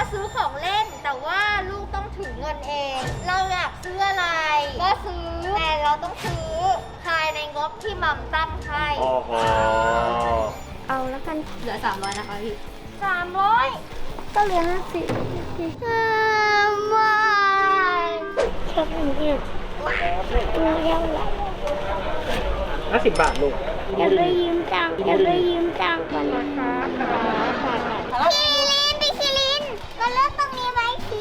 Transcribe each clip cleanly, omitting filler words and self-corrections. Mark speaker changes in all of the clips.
Speaker 1: ซื้อของเล่นแต่ว่าลูกต้องถือเงินเอง เราอยากซื้ออะไรก็ซื้อแต่เราต้องซื้อภายในงบที่มัมตั้งให้
Speaker 2: โอ้โห
Speaker 1: เอาแล้วกัน
Speaker 3: เหลือ300นะคะพี่
Speaker 1: 300ก็เหลือ50ว้ายชอบหนูอีกยังไง
Speaker 2: 50 บาทลูก
Speaker 1: เดี๋ยวไปยืมตังค์ก่อนนะคะคิรินพี่คิรินก็เลิกตรงนี้ไว้สิ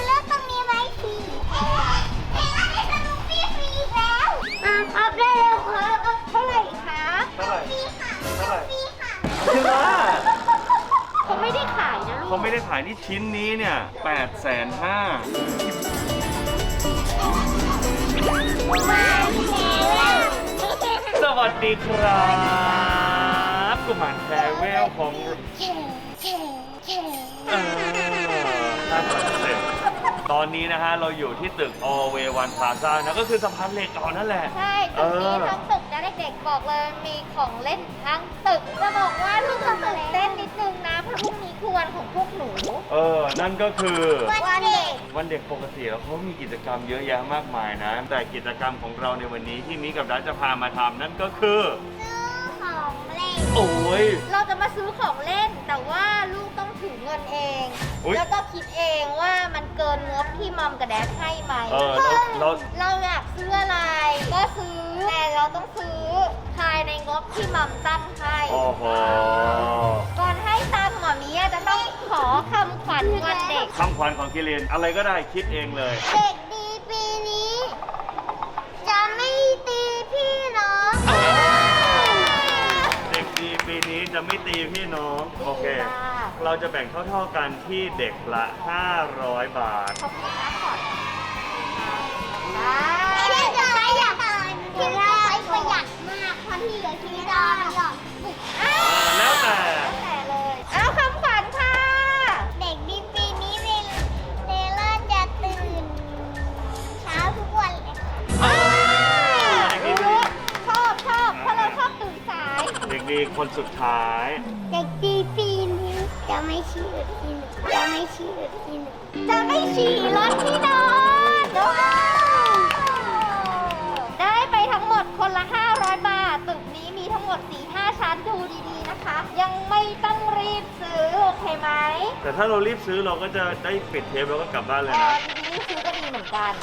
Speaker 1: เอ๊ะให้สนุกฟรีอีกแล้วอัพได้แล้วเท่าไหร่คะ
Speaker 2: เท่าไหร่
Speaker 1: ฟรีค่ะ
Speaker 2: เท่าไหร่
Speaker 1: ฟรีค่ะ
Speaker 2: จริงเหรอ
Speaker 1: เขาไม่ได้ขายนะลูก
Speaker 2: เขาไม่ได้ขายที่ชิ้นนี้เนี่ย 850,000 สวัสดีครับกุมารแพรเวลของตอนนี้นะฮะเราอยู่ที่ตึก Alway One Plaza นะก็คือสะพานเหล็กก่อนนั่นแหละ
Speaker 1: ใช่ตึกนี้ทั้งตึกนะเด็กๆบอกเลยมีของเล่นทั้งตึกจะบอกว่าลูกจะตื่นเต้นนิดนึงนะเพราะพรุ่งนี้คือวันของพวกหนู
Speaker 2: นั่นก็คือ
Speaker 1: วันเด็ก
Speaker 2: วันเด็กปกติแล้วเขามีกิจกรรมเยอะแยะมากมายนะ แต่กิจกรรมของเราในวันนี้ที่มิกับดัชจะพามาทำนั่นก็คือ
Speaker 1: ซื้อของเล่น
Speaker 2: โอ้ย
Speaker 1: เราจะมาซื้อของเล่นแต่ว่าลูกต้องถือเงินเอง
Speaker 2: อุ๊ย
Speaker 1: แล้วก็คิดเองว่ามันเกินงบที่มัมกับแดดให้ไหม
Speaker 2: เรา
Speaker 1: อยากซื้ออะไรก็ซื้อแต่เราต้องซื้อภายในงบที่มัมตั้งให้
Speaker 2: โอ้โห
Speaker 1: ก่อนให้ตังค์หมอมีจะต้องขอคำขวัญวันเด็ก
Speaker 2: คำขวัญของกิเลนอะไรก็ได้คิดเองเลย
Speaker 1: เด็กดีปีนี้ จะไม่ตีพี่น้อง
Speaker 2: เด็กดีปีนี้จะไม่ตีพี่น้อง โอเค เราจะแบ่งเท่าๆกันที่เด็กละ 500 บาท
Speaker 1: ขอบคุณนะก่อนพี่จะใช้อย่างพี่จะใช้ประหยัดมากเพราะที่เหลือชีวิตเราหยอด
Speaker 2: แล้วแต่
Speaker 1: เลยเอาคำขวัญค่ะ เด็กดีปีนี้เนเล่นจะตื่นเช้าทุกวันเลยชอบเพราะเราชอบตื่นสาย
Speaker 2: เด็กดีคนสุดท้าย
Speaker 1: เด็กดีปีนี้จะไม่ฉี่รถที่หนึ่งจะไม่ฉี่รถที่นอนได้ไปทั้งหมดคนละ 500 บาท ตึกนี้มีทั้งหมด 4-5 ชั้นดูดีๆนะคะ ยังไม่ต้องรีบซื้อ โอเคไหม
Speaker 2: แต่ถ้าเรารีบซื้อเราก็จะได้ปิดเทปแล้วก็กลับบ้านเลยนะ
Speaker 1: รีบซื้อก็ดีเหมือนกัน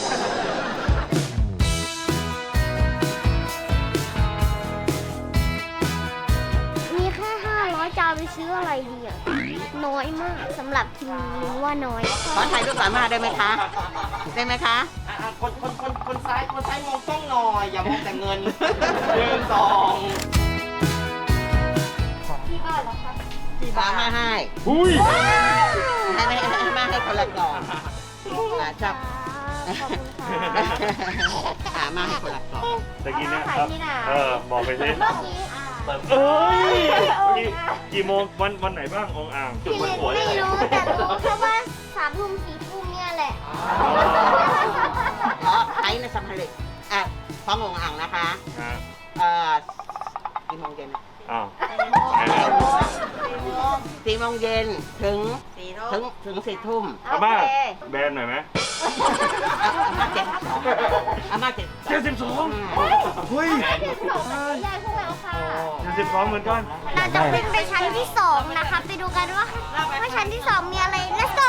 Speaker 1: มีแค่500จะเอาไปซื้ออะไรดีอ่ะ น้อยมากสำหรับทีมนี้ว่าน้อย
Speaker 4: ขอถ่ายรูปสามารถได้ไหมคะ ได้ไหมคะ
Speaker 5: คนซ้ายมองกล้องหน่อย อย่ามองแต่เงิน 1 2
Speaker 1: ที่บ้านเหรอคะ
Speaker 4: สามารถให้
Speaker 2: อุ้ย
Speaker 4: ให้คนละกล่องชอบ
Speaker 1: ขอบคุณค่ะ
Speaker 4: สามารถให้คนละกล่อง
Speaker 2: แต่กี้เนี่ย
Speaker 1: เอามาขายที่ไหน
Speaker 2: บอกไปสิ
Speaker 1: เมื่อกี้
Speaker 2: เอ้ยกี่โมงวันไหนบ้างองอ่างจุด
Speaker 1: พี่
Speaker 2: บน
Speaker 1: เล็ก
Speaker 2: หัว
Speaker 1: ไม่รู้แต่รู้แค่ว่า3 ทุ่ม 4 ทุ่มเนี่ยแหละ
Speaker 4: เพราะใช้ในสัมภาระพร้อมองอ่างนะคะ
Speaker 2: ฮะ
Speaker 4: กี่โมงเย็น
Speaker 2: อ้าว
Speaker 4: 4 โมงเย็นถึง 4 ทุ่ม
Speaker 2: อาม่าแบนหน่อยไหม
Speaker 4: อาม่า
Speaker 2: 72เฮ้ย
Speaker 1: ยายพวกเราค่ะ
Speaker 2: 72เหมือนกัน
Speaker 1: เราจะขึ้นไปชั้นที่ 2 นะคะ ไปดูกันว่าชั้นที่ 2 มีอะไร let's go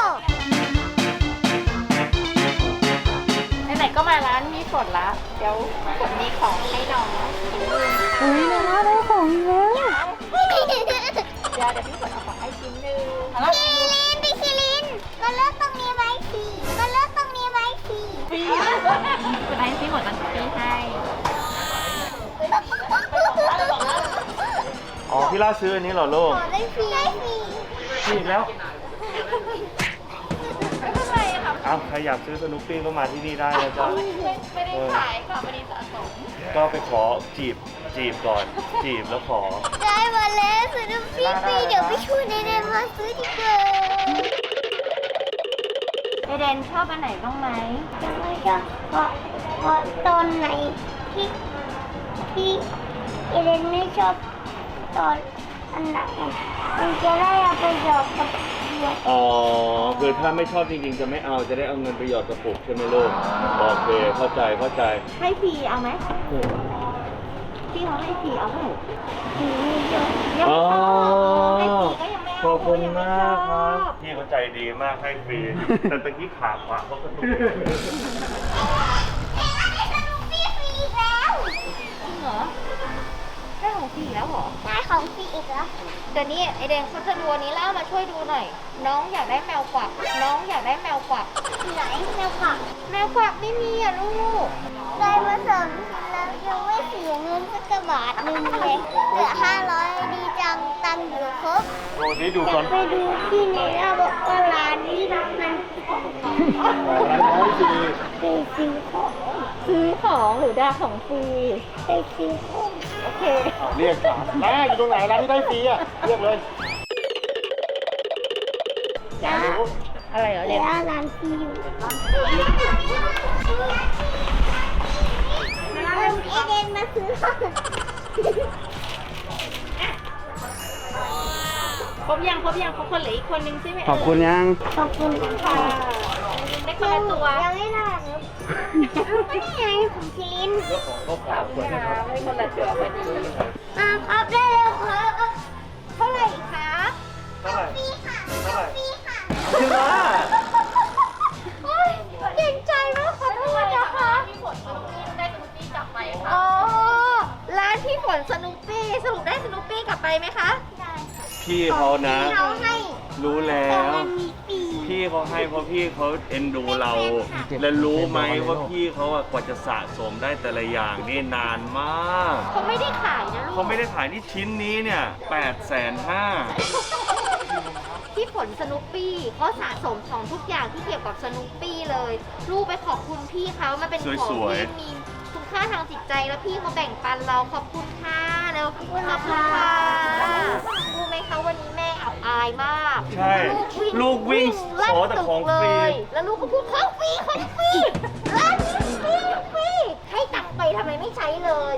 Speaker 3: ไหนๆก็มาร้านมีฝนละเดี๋ยวฝนมีของให้น้อง
Speaker 1: อุ้ยน้าได้ของแล้ว
Speaker 3: เดี๋ยวพี่ฝนเอาของให้ชิ้นหนึง
Speaker 1: พี่คิรินก็เลิกตรงนี้ไว้สิ
Speaker 3: คุณไอ้พี่ฝนมันพี่ให้
Speaker 2: อ๋อพี่ล่าซื้ออันนี้เหรอลูก
Speaker 1: ขอได้ฟรี
Speaker 2: นี่อีกแล้ว
Speaker 3: ไม่เป็นไรค่ะ
Speaker 2: อ้าวใครอยากซื้อสนุกปี้ก็มาที่นี่ได้นะจ๊ะ
Speaker 3: ไม่ได้ขายค่ะไม่ได้สะสม
Speaker 2: ก็ไปขอจีบก่อน จีบแล้วขอ
Speaker 1: ได้มาแล้วซื้อฟรีเดี๋ยวไปช่วยเดนมาซื้อดีกว่าเดนชอบอันไหนบ้างไหมไม่ชอบเพราะตอนไหนที่เดนไม่ชอบตอนอันไหนมันจะได้เอาไปหยอกกับหนูด้วย
Speaker 2: อ๋อคือถ้าไม่ชอบจริงๆจะไม่เอาจะได้เอาเงินไปหยอดกระปุกใช่ไหมลูกโอเคเข้าใจ
Speaker 1: ให้ฟรีเอาไหมพี่เขาให้ฟรีเอาไหมยัง
Speaker 2: อ๋อ
Speaker 1: ให้ฟรีก็ยังไม่เอา
Speaker 2: ขอบคุณมากครับพี่เขาใจดีมากให้ฟรีแต่ตะกี้ขาขวาเขากระตุก
Speaker 1: จริงเหรอได้ของฟรีแล้วเหรอได้ของฟรีอีกแล้วเดี๋ยวนี้ไอเดนเขาจะดูอันนี้แล้วมาช่วยดูหน่อย น้องอยากได้แมวกวักน้องอยากได้แมวกวักไหนแมวกวักไม่มีอ่ะลูกได้มาสองชิ้นแล้วยังไม่เสียเงินสักกระบาทหนึ่งเลยเหลือ500ดีจังตังค์อยู่ครบ
Speaker 2: โอ้นี่ดู
Speaker 1: อยา
Speaker 2: ก่อก น
Speaker 1: ไปดูที่ไหนเราบอกว่าร้านนี้มันไปซื้อของหรือได้ของฟรีไปซื้อของโอเค
Speaker 5: เรียกร้านอยู่ตรงไหนร้านที่ได้ฟรีอ่ะเรียกเลย
Speaker 1: จ้า
Speaker 3: อะไรเหรอเด็ก
Speaker 1: ร้านฟรีอยู่เอเดนมาซื้อ
Speaker 3: ครบยังครบคนเหลืออีกคนนึงใช่ไหม
Speaker 5: ขอบคุณยัง
Speaker 1: ขอบคุณค่ะ
Speaker 3: ได้คนละตัว
Speaker 1: ยังไม่ได้ครับไม่ได้ไงของคิริน
Speaker 3: ได้คนละตัวพอดี
Speaker 1: ครับได้แล้วครับเท่าไหร่ครับ
Speaker 2: เท่าไหร่
Speaker 1: ฟรีค่ะ
Speaker 2: เท่าไหร่
Speaker 1: ฟรีค่ะ
Speaker 2: จริงเหรอ
Speaker 1: โอ๊ยเก่งใจมากขอโทษนะคะ
Speaker 3: พี่ฝนได้สนุกปี้กลับไปค่ะ
Speaker 1: อ๋อ ร้านพี่ฝนสนุปปี้สรุปได้สนุปปี้กลับไปไหมคะ ได้
Speaker 2: พี่เขานะ
Speaker 1: เราให้
Speaker 2: รู้แล้
Speaker 1: แต่
Speaker 2: ว
Speaker 1: มันมีปี
Speaker 2: พี่เขาให้เพราะพี่เขาเอ็นดูเรา และรู้ไหมว่าพี่เขาอะกว่าจะสะสมได้แต่ละอย่างนี่นานมาก
Speaker 1: เขาไม่ได้ขายนะลู
Speaker 2: เขา
Speaker 1: ก
Speaker 2: ไม่ได้ขายที่ชิ้นนี้เนี่ย850,000
Speaker 1: พี่ฝนสนุปปี้เขาสะสมของทุกอย่างที่เกี่ยวกับสนุปปี้เลย ลูกไปขอบคุณพี่เขามันเป็นของ
Speaker 2: สวย
Speaker 1: ที่มีคุณค่าทางจิตใจแล้วพี่เขาแบ่งปันเราขอบคุณค่ะแล้วขอบคุณค่ะรู้ไหมคะวันนี้แม่อับอายมาก
Speaker 2: ใช่ ลูกวิ่ง
Speaker 1: ลั่น
Speaker 2: ขอแต่ของ
Speaker 1: ตึก
Speaker 2: ฟรี
Speaker 1: เลยแล้วลูกก็พูดของฟรีร้านนี้ฟรีให้ตังค์ไปทำไมไม่ใช้เลย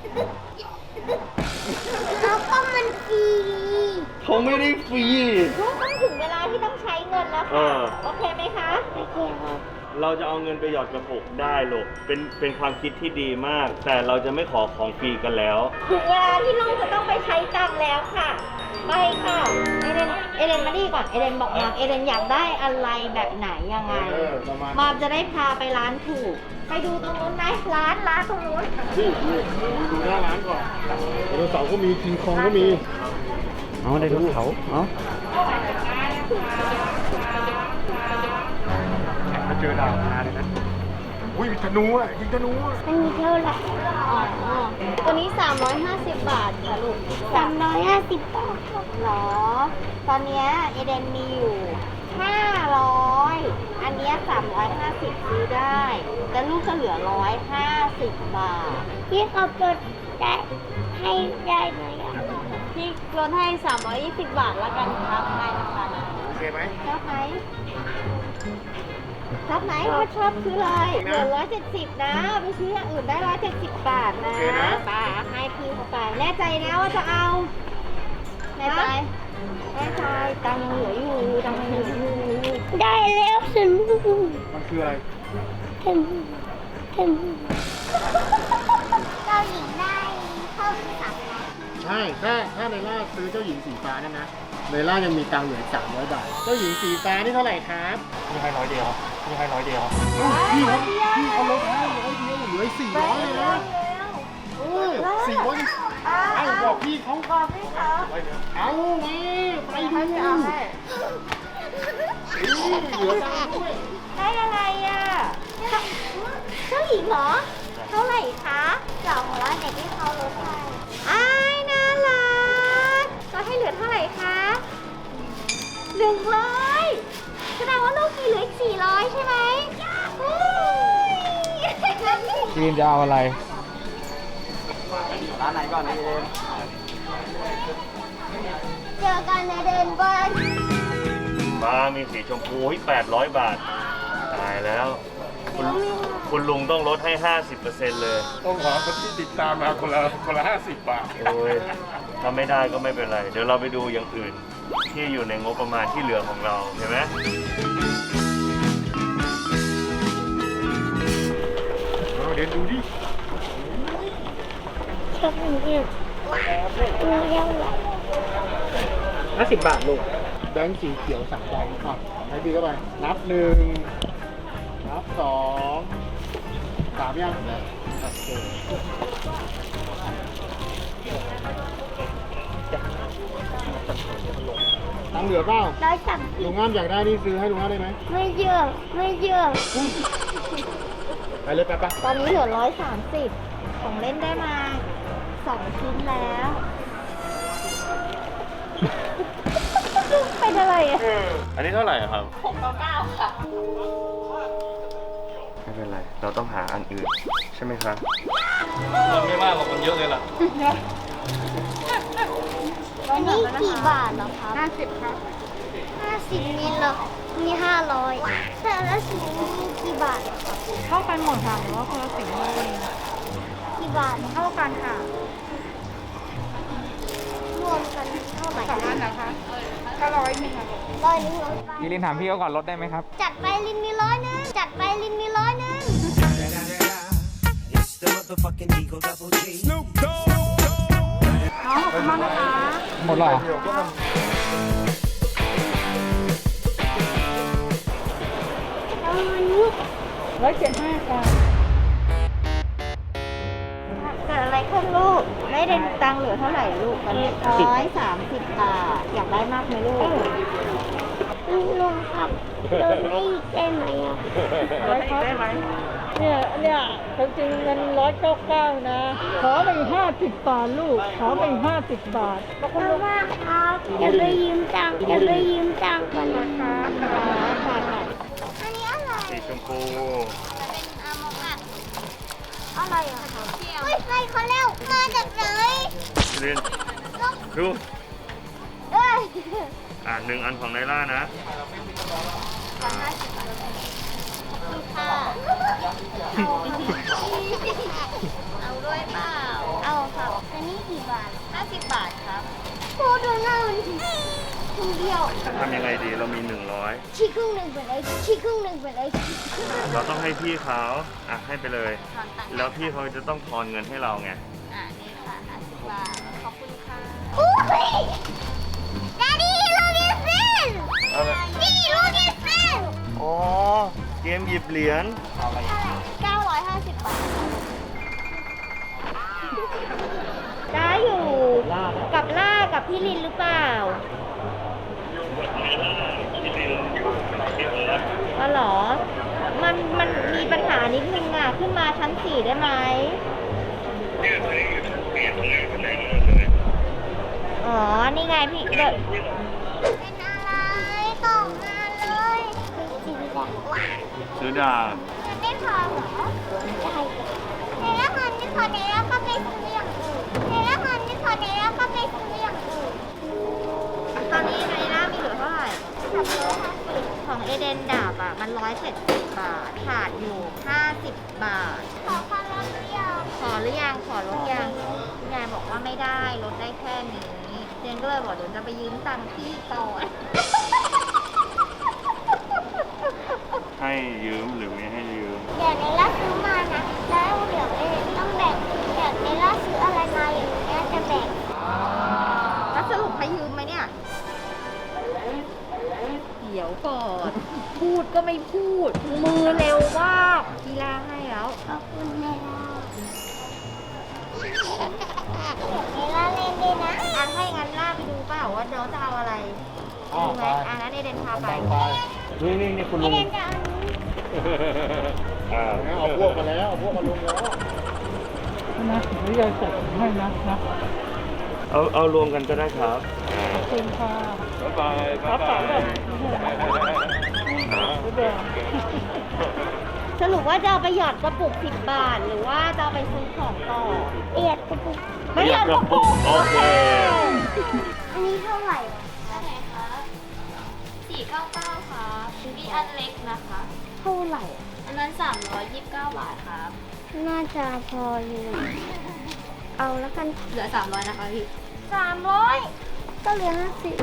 Speaker 1: แล้วก็มันฟรี
Speaker 2: เขาไม่ได้ฟรี
Speaker 1: ลูกต้องถึงเวลาที่ต้องใช้เงินแล้ว
Speaker 2: เอ
Speaker 1: ค่ะ
Speaker 2: อ
Speaker 1: โอเคไหมคะโอเคครับ
Speaker 2: เราจะเอาเงินไปหยอดกระปุกได้ลูกเป็นความคิดที่ดีมาก แต่เราจะไม่ขอของฟรีกันแล้ว
Speaker 1: ถึงเวลาที่ลูกจะต้องไปใช้ตังค์แล้วค่ะไปค่ะเอเดนมาดีก่อนเอเดนบอกมาเอเดนอยากได้อะไรแบบไหนยังไงมามจะได้พาไปร้านถูกไปดูตรงนู้นไหมร้านตรงนู้น
Speaker 5: ดูหน้าร้านก่อนไดโนเสาร์ก็มีคิงคองก็มีเอาไดโนเสาร์เอามาเจอดาวนาเลยนะอุ้ยมีธนูอ่ะยิงธนูอ่ะ
Speaker 1: อันนี้เท่าไหร่อ๋อตัวนี้350 บาทค่ะลูก350 บาทเหรอตอนเนี้ยเอเดนมีอยู่500อันเนี้ย350ซื้อได้แต่ลูกจะเหลือ150 บาทพี่เขาลดได้ให้ได้ไหมอ่ะพี่ลดให้320 บาทแล้วกันครับได้นะคะ
Speaker 5: โอเคไหม
Speaker 1: ชอบไหมชอบไหมถ้าชอบซื้อเลยเหลือ170นะเอาไปซื้ออย่างอื่นได้170 บาทนะป้าให้พี่เขาไปแน่ใจนะว่าจะเอาแน่ใจตังค์ยังเหลืออยู่ตังค์ยังเหลืออยู่ได้แล้วฉัน
Speaker 5: มันคืออะไร
Speaker 1: เจ้าหญิงได้เข้าที่3แล้ว
Speaker 5: ใช่ถ้าในล่าซื้อเจ้าหญิงสีฟ้าเนี่ยนะในล่ายังมีตังค์เหลือ300 บาทเจ้าหญิงสีฟ้านี่เท่าไหร่ครับพี่ให้100 เดียวพี่ให้100 เดียวพี่เขาลดให้100 เดียวเหลือ400เลยนะ400ไอ้บอกพี่เขาเอาไงไปดูเหลือตังค์ด้วย
Speaker 1: ได้อะไรอ่ะเจ้าหญิงเหรอ เท่าไหร่คะ200เด็กที่เขาลดให้อ้ายน่ารักก็ให้เหลือเท่าไหร่คะ100แสดงว่าลูกมีเหลืออีก400ใช่ไหม
Speaker 5: จีนจะเอาอะไรร้านไหนก่อนนี่เอง
Speaker 1: เจอกันในเดินบ้าน
Speaker 2: มามีสีชมพู800 บาท ตายแล้ว คุณลุงต้องลดให้ 50% เลย
Speaker 5: ต้องขอคนที่ติดตามมาคนละ50 บาท
Speaker 2: โอ้ยถ้าไม่ได้ก็ไม่เป็นไร เดี๋ยวเราไปดูอย่างอื่นที่อยู่ในงบประมาณที่เหลือของเราเห็นไหม
Speaker 5: เดี๋ยวดูดิ
Speaker 1: ชอบอย่างนี้เราเลี้ยง
Speaker 5: 50 บาทลูกแบงค์สีเขียว3ใบครับให้พี่เข้าไปนับ1นับ2 3ยังโอเคตังค์เหลือเปล่า
Speaker 1: 130
Speaker 5: ลุงง่ามอยากได้นี่ซื้อให้ลุงง่ามได้ไหม
Speaker 1: ไม่เยอะไม่เยอะ
Speaker 5: ไปเลยไปปะ
Speaker 1: ตอนนี้เหลือ130ของเล่นได้มา2ชิ้นแล้ว เป็นอะไรอ่ะ
Speaker 2: อันนี้เท่าไหร่อะครับ
Speaker 3: 699 ค่ะ
Speaker 2: ไม่เป็นไร เราต้องหาอันอื่น ใช่ไหมครับมันไม่มากหรอกมันเยอะเลยล่ะ
Speaker 1: อันนี้กี่บาทเหรอครับ
Speaker 3: 50 ครับ
Speaker 1: 50มิลเหรอมี500แต่ละสีมีกี่บาทเหรอครับ
Speaker 3: เท่ากันหมดค่ะหรือว่าคนละสีเลย
Speaker 1: กี่บาท
Speaker 3: เท่ากันค่ะ
Speaker 1: รวมกันเท่าไหร่
Speaker 3: สองอันนะคะก็100นึงค่ะ
Speaker 1: 100
Speaker 6: พี่ลินถามพี่เขาก่อนลดได้ไหมครับ
Speaker 1: จัดไปลินมี100จัดไปลินมี100
Speaker 7: It's the motherfucking Eagle Double G.
Speaker 3: น้องขอบคุณมากนะคะ
Speaker 6: หมดหรอ
Speaker 1: แล้วมันนี้
Speaker 3: 175 ค่ะ
Speaker 1: เกิดอะไรขึ้นลูกได้เดนตังค์เหลือเท่าไหร่ลูกตอนนี้130 บาทอยากได้มากไหมลูกลุงครับโดนได้อีกได้ไหมอ่ะ
Speaker 3: ได้ไหมเนี่ยจริงๆเงิน199 นะ ขอไป50 บาทลูก ขอไป50 บาท
Speaker 1: ขอบคุณมากครับอย่าไปยืมตังค์อย่าไปยืมตังค์กันนะครับอันนี้อะไร
Speaker 2: สีชมพู
Speaker 1: เป็นอามงะอะไรอ่ะเฮ้ยใครเขาเร็วมาจากไหน
Speaker 2: เรียนดู
Speaker 1: เอ้ย
Speaker 2: 1 อันของไนล่านะ
Speaker 1: ค่ะเอาด้วยเปล่าเอาครับอันนี้กี่บาท50 บาทครับโคดูหน้ามันคนเดียว
Speaker 2: ทำยังไงดีเรามี
Speaker 1: ชี้ครึ่งหนึ่งไปเลยชี้ครึ่งหนึ่งไปเลย
Speaker 2: 100 เราต้องให้พี่เขาให้ไปเลย แล้วพี่เขาจะต้องทอนเงินให้เราไง
Speaker 1: นี่ค่ะ50 บาทขอบคุณค่ะอุ้ย Daddy look at this
Speaker 2: อะไร
Speaker 1: Daddy look at this
Speaker 2: อ๋อ เกมหยิบเหรียญ
Speaker 1: 950 บาทได้อยู่กับล่ากับพี่ลินหรือเปล่าอ๋อเหรอ มันมีปัญหานิดนึงอ่ะ ขึ้นมาชั้น 4 ได้ไหมอ๋อ นี่ไงพี่เด็กเป็นอะไรตกมาเลย
Speaker 2: ซื้อดาบ
Speaker 1: มันไม่พอเหรอใช่ในละครไม่พอในละก็ไปซื้ออย่างอื่นในละครไม่พอในละก็ไปซื้ออย่างอื่นตอนนี้ในละมีเหลือเท่าไหร่350ของเอเดนดาบอ่ะมัน170 บาทขาดอยู่50 บาทขอความลดหรือยังขอหรือยังขอลดยังยายบอกว่าไม่ได้ลดได้แค่นี้เจนก็เลยบอกเดี๋ยวจะไปยืมตังค์พี่ก่อน
Speaker 2: ให้ยืมหรือไม่ให้ยืม
Speaker 1: เดี๋ยวในล่าซื้อมานะ แล้วเดี๋ยวเองต้องแบ่งเดี๋ยวในล่าซื้ออะไรมาอย่างเงี้ยจะแบ่งแล้วสรุปให้ยืมไหมเนี่ย เดี๋ยวก่อน พูดก็ไม่พูด มือเร็วมากกีฬาให้แล้ว ขอบคุณแม่ล่าเดี๋ยวในล่าเล่นด้วยนะให้งั้นล่าไปดูเปล่าว่าน้องจะเอาอะไร
Speaker 5: อ๋อ
Speaker 1: ดูไห
Speaker 5: ไป
Speaker 1: มงั้นเอเดนพาไป
Speaker 5: นี่คุณ
Speaker 1: เอ
Speaker 5: ลุง
Speaker 1: เดนจะเอาอันนี้
Speaker 5: เอาพวกมาแล้วเอาพวกมาลุงแล้ว
Speaker 3: นะหรือยายจัดให้นะ
Speaker 2: เอารวมกันก็ได้ครับ
Speaker 3: ขอบคุณค่ะ
Speaker 2: บ๊ายบาย
Speaker 3: ครับฝากด้วย
Speaker 1: สรุปว่าจะเอาไปหยอดกระปุก10 บาท หรือว่าจะเอาไปซื้อของต่อประหยัดกระปุกประหยัดกระปุก
Speaker 2: โอเค
Speaker 1: อันนี้เท่าไหร่เท่าไหร่คะ
Speaker 8: 499ค่ะมีอันเล็กนะคะ
Speaker 1: เท่าไหร่
Speaker 8: อันนั้น 329 บาทครับ
Speaker 1: น่าจะพออยู่เอาแล้วกัน
Speaker 8: เหลือ 300 นะคะพี่
Speaker 1: 300 ก็เหลือ50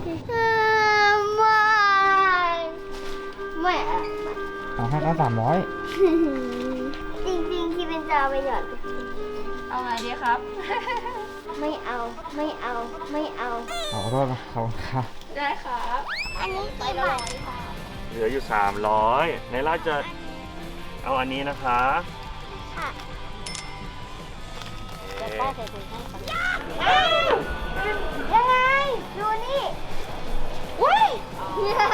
Speaker 1: ไม่
Speaker 6: เอาให้เขา300
Speaker 1: จริงๆที่เป็นจะเอาไปหยอด
Speaker 8: เอาไงดีครับ
Speaker 1: ไม่เอา ไม่เอา ไม่เอา
Speaker 6: ขอโทษนะเขาครับ
Speaker 8: ได้ครับ
Speaker 1: อันนี้กี่บาทค่ะ
Speaker 2: เหลืออยู่ 300ในล่าจะเอาอันนี้นะคะ
Speaker 1: ค่ะ
Speaker 2: เอ๊ะ
Speaker 1: ป้าใส่ถุงให้ก่อนยังไง ดูนี่อุ้ยนี่นะ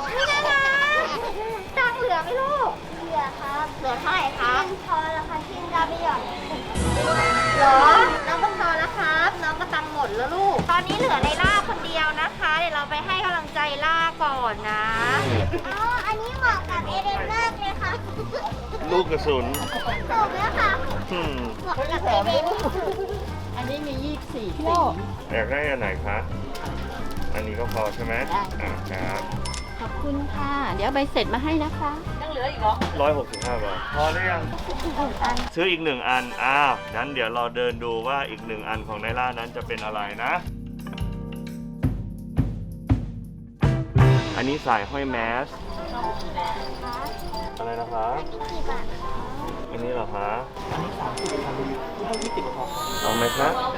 Speaker 1: ตังค์เหลือไหมลูก เหลือครับ เหลือเท่าไหร่ครับพอแล้วค่ะที่จะไปหยอดเหรอ น้องก็พอแล้วครับ น้องก็ตังค์หมดแล้วลูก ตอนนี้เหลือในล่าคนเดียวนะคะ เดี๋ยวเราไปให้กำลังใจล่าก่อนนะอ๋ออันนี้เหมาะกับเอเดนมากเลยค่ะ
Speaker 2: ลูกกระสุน
Speaker 1: ถูกแล้วค่ะ
Speaker 2: อืม
Speaker 1: เหมาะกับเอเดน
Speaker 4: อันนี้มี24สี
Speaker 2: อยากได้อันไหนคะ อันนี้ก็พอใช่ไหมอ่าครับ
Speaker 4: ขอบคุณค่ะ เดี๋ยวใบเสร็จมาให้นะคะ
Speaker 8: ยังเหลืออีกเหรอ
Speaker 2: 165 บาท พอหรือยัง ซื้ออีก 1 อัน อ้าว งั้นเดี๋ยวเราเดินดูว่าอีก 1 อันของไนล่านั้นจะเป็นอะไรนะ อันนี้สายห้อยแมส อะไรนะคะ
Speaker 1: กี่บาทคะ
Speaker 2: อันนี้เหรอคะเอาไหมคะ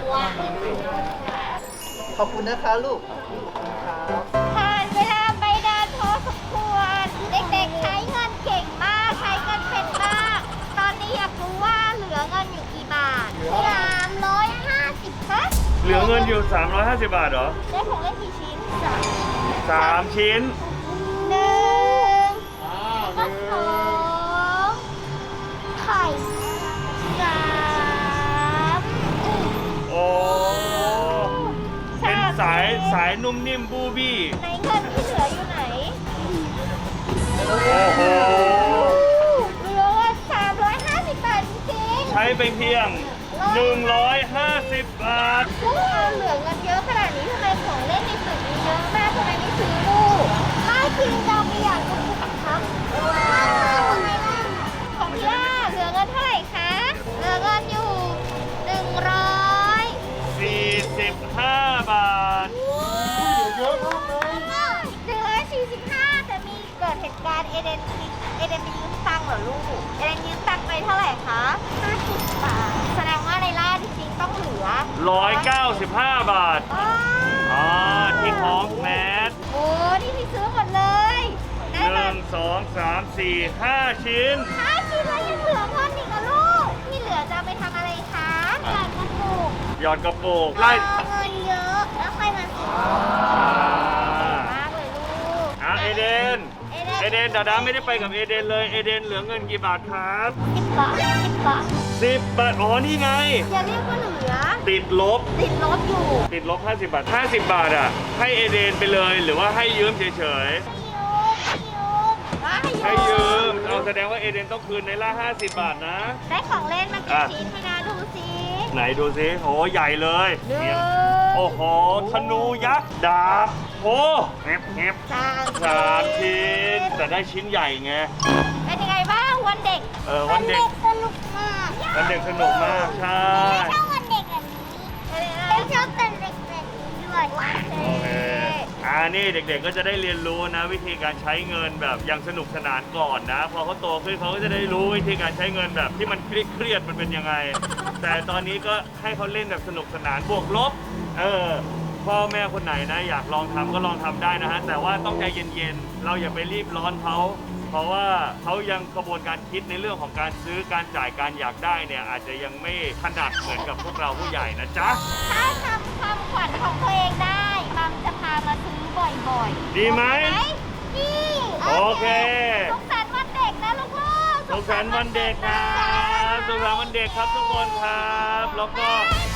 Speaker 5: ขอบคุณนะคะลูก
Speaker 1: ผ่านเวลาไปนานพอสมควร เด็กๆใช้เงินเก่งมาก ใช้เงินเป็นมาก ตอนนี้อยากรู้ว่าเหลือเงินอยู่กี่บาท350ครับ
Speaker 2: เหลือเงินอยู่ 350 บาทเหรอ
Speaker 1: ได้ของเล่นกี่ชิ้น
Speaker 2: 3 ชิ้น
Speaker 1: 1ก็2ไข่3
Speaker 2: โอ้ เป็นสายนุ่มนิ่มบูบี้
Speaker 1: ไหนเงินที่เหลืออยู่ไหน
Speaker 2: โอ้โห
Speaker 1: เหลือ350 บาทจริงๆ
Speaker 2: ใช้ไปเพียง 150 บาท
Speaker 1: ลูกเอาเหลือเงินเยอะขนาดนี้ทำไมของเล่นในตึกมีเยอะมากทำไมไม่ซื้อลูกไม่จริงเราไปอยากดูครับของพี่ล่าเหลือเงินเท่าไหร่คะ เหลือเงินอยู่
Speaker 2: 45 บาท
Speaker 1: 145แต่มีเกิดเหตุการณ์เอเดนไปยืมตังค์เหรอลูก เอเดนยืมตังค์ไปเท่าไหร่คะ50 บาท แสดงว่าในล่าจริงๆต้องเหลือ
Speaker 2: 195 บาท อ๋อ ที่ของแมส
Speaker 1: โอ้นี่พี่ซื้อหมดเลยได้มา
Speaker 2: 1 2 3 4 5 ชิ้น
Speaker 1: 5 ชิ้นแล้วยังเหลือเงินอีกเหรอลูก ที่เหลือจะเอาไปทำอะไรคะหยอดกระปุก
Speaker 2: หยอดกระปุกไล่
Speaker 1: เงินเยอะแล้วค่อยมาซื้อมากเลยลูก
Speaker 2: เอเดน เอเดนดาดาไม่ได้ไปกับเอเดนเลย เอเดนเหลือเงินกี่บาทครับ
Speaker 1: 10 บาท 10 บาท
Speaker 2: 10 บาท อ๋อ นี่ไง
Speaker 1: อย่าเรียกว่าเหลือ
Speaker 2: ติดลบ
Speaker 1: ติดลบอยู่
Speaker 2: ติดลบ 50 บาท 50 บาทอ่ะ ให้เอเดนไปเลย หรือว่าให้ยืมเฉย
Speaker 1: ให้
Speaker 2: ๆ
Speaker 1: ยืม
Speaker 2: เอาแสดงว่าเอเดนต้องคืนในละ 50 บาทนะ
Speaker 1: ได้ของเล่นมากี่ชิ้นให้นะดูสิ
Speaker 2: ไหนดูสิโหใหญ่เลย
Speaker 1: หนึ่ง
Speaker 2: เนี่ยโอ้โห ธนูยักษ์ ดาบโอ้เงียบเงียบ
Speaker 1: สาม
Speaker 2: 3 ชิ้น แต่ได้ชิ้นใหญ่ไง
Speaker 1: เป็นยังไงบ้างวันเด็ก
Speaker 2: วันเด็ก
Speaker 1: สนุกมาก
Speaker 2: วันเด็กสนุกมาก ใช่
Speaker 1: ชอบวันเด็กแบบนี้ชอบเป็นเด็กแบบนี้ด้วย
Speaker 2: โอเคนี่เด็กๆก็จะได้เรียนรู้นะ วิธีการใช้เงินแบบอย่างสนุกสนานก่อนนะ พอเขาโตขึ้นเขาก็จะได้รู้วิธีการใช้เงินแบบที่มันเครียดๆมันเป็นยังไง แต่ตอนนี้ก็ให้เขาเล่นแบบสนุกสนานบวกลบ พ่อแม่คนไหนนะอยากลองทำก็ลองทำได้นะฮะ แต่ว่าต้องใจเย็นๆ เราอย่าไปรีบร้อนเขา เพราะว่าเขายังกระบวนการคิดในเรื่องของการซื้อการจ่ายการอยากได้เนี่ยอาจจะยังไม่ถนัดเหมือนกับพวกเราผู้ใหญ่นะจ๊ะ
Speaker 1: ถ้าทำความฝันของตัวเองได้มัมจะพามาซื้อบ่อยๆ
Speaker 2: ดีไหม
Speaker 1: ดี
Speaker 2: โอเค
Speaker 1: สุขสันต์วันเด็กนะลูกๆ
Speaker 2: สุขสันต์วันเด็กครับสุขสันต์วันเด็กครับทุกคนครับ แล้วก็
Speaker 1: บ๊ายบาย